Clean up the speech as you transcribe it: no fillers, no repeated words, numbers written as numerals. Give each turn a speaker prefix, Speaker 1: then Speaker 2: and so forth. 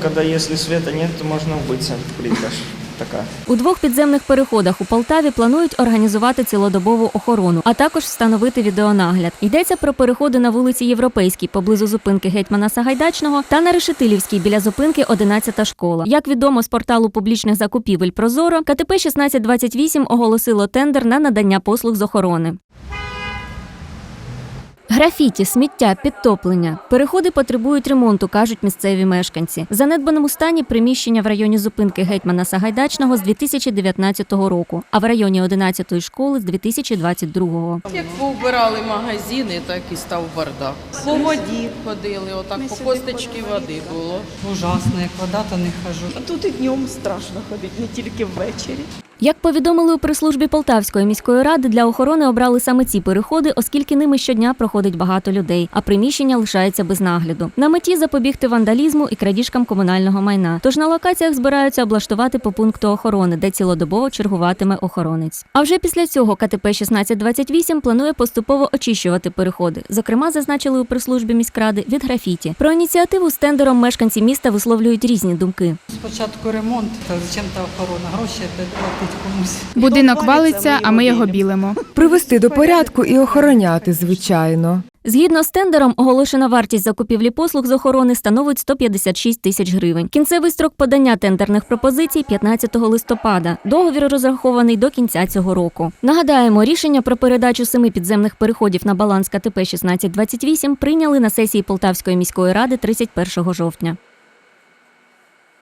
Speaker 1: когда если света нет, то можно убиться. Плитка ж така.
Speaker 2: У 2 підземних переходах у Полтаві планують організувати цілодобову охорону, а також встановити відеонагляд. Йдеться про переходи на вулиці Європейській поблизу зупинки Гетьмана Сагайдачного та на Решетилівській біля зупинки 11-та школа. Як відомо з порталу публічних закупівель «Прозоро», КТП 1628 оголосило тендер на надання послуг з охорони. Графіті, сміття, підтоплення. Переходи потребують ремонту, кажуть місцеві мешканці. В занедбаному стані приміщення в районі зупинки Гетьмана Сагайдачного з 2019 року, а в районі 11-ї школи з 2022-го.
Speaker 3: Як повбирали магазини, так і став бардак. По воді ходили, отак по косточки води було.
Speaker 4: Ужасно, як вода, то не хожу.
Speaker 5: Тут і днем страшно ходити, не тільки ввечері.
Speaker 2: Як повідомили у прес-службі Полтавської міської ради, для охорони обрали саме ці переходи, оскільки ними щодня проходить багато людей, а приміщення лишається без нагляду. На меті запобігти вандалізму і крадіжкам комунального майна. Тож на локаціях збираються облаштувати по пункту охорони, де цілодобово чергуватиме охоронець. А вже після цього КТП 1628 планує поступово очищувати переходи. Зокрема, зазначили у прес-службі міськради, від графіті. Про ініціативу з тендером мешканці міста висловлюють різні думки.
Speaker 4: Спочатку ремонт, та зачем-то охорона, гроші платить комусь.
Speaker 6: Будинок валиться, а ми його білимо.
Speaker 7: Привести до порядку і охороняти, звичайно.
Speaker 2: Згідно з тендером, оголошена вартість закупівлі послуг з охорони становить 156 тисяч гривень. Кінцевий строк подання тендерних пропозицій – 15 листопада. Договір розрахований до кінця цього року. Нагадаємо, рішення про передачу 7 підземних переходів на баланс КТП 1628 прийняли на сесії Полтавської міської ради 31 жовтня.